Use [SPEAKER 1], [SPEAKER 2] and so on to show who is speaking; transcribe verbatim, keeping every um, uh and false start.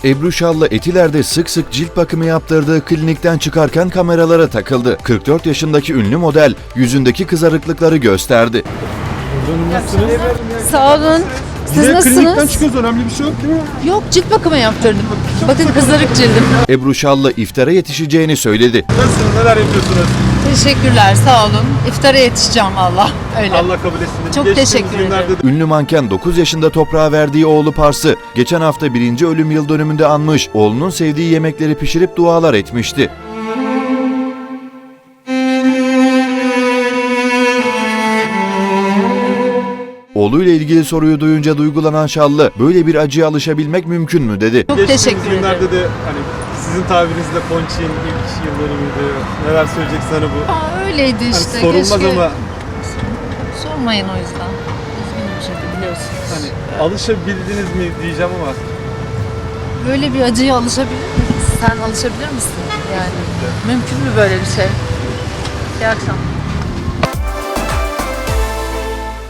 [SPEAKER 1] Ebru Şallı Etiler'de sık sık cilt bakımı yaptırdığı klinikten çıkarken kameralara takıldı. kırk dört yaşındaki ünlü model yüzündeki kızarıklıkları gösterdi.
[SPEAKER 2] Nasılsınız?
[SPEAKER 3] Sağ olun. Siz
[SPEAKER 2] Size klinikten
[SPEAKER 3] nasılsınız?
[SPEAKER 2] çıkıyoruz, önemli bir şey yok değil mi?
[SPEAKER 3] Yok, cilt bakımı yaptırdım. Bakın kızarık cildim.
[SPEAKER 1] Ebru Şallı iftara yetişeceğini söyledi.
[SPEAKER 2] Nasılsınız, neler yapıyorsunuz?
[SPEAKER 3] Teşekkürler, sağ olun. İftara yetişeceğim valla. Öyle.
[SPEAKER 2] Allah kabul etsin.
[SPEAKER 3] Çok
[SPEAKER 2] Geçtiğimiz
[SPEAKER 3] teşekkür
[SPEAKER 2] günlerde
[SPEAKER 3] ederim.
[SPEAKER 2] de
[SPEAKER 1] Ünlü manken dokuz yaşında toprağa verdiği oğlu Pars'ı geçen hafta birinci ölüm yıl dönümünde anmış, oğlunun sevdiği yemekleri pişirip dualar etmişti. Oğluyla ilgili soruyu duyunca duygulanan Şallı, böyle bir acıya alışabilmek mümkün mü dedi.
[SPEAKER 3] Çok
[SPEAKER 2] geçtiğimiz
[SPEAKER 3] teşekkür
[SPEAKER 2] günlerde
[SPEAKER 3] ederim.
[SPEAKER 2] de hani sizin tabirinizle Ponçik'in ilk yıl dönümüydü. Neler söyleyeceksin hani bu?
[SPEAKER 3] Aa, öyleydi
[SPEAKER 2] Hani
[SPEAKER 3] işte.
[SPEAKER 2] sorulmaz
[SPEAKER 3] keşke...
[SPEAKER 2] ama
[SPEAKER 3] Sormayın o yüzden. Üzgünüm şimdi, biliyorsunuz.
[SPEAKER 2] hani alışabildiniz mi diyeceğim ama
[SPEAKER 3] Böyle bir acıya alışabilir miyiz? Sen alışabilir misin? Yani mümkün mü böyle bir şey? İyi akşamlar.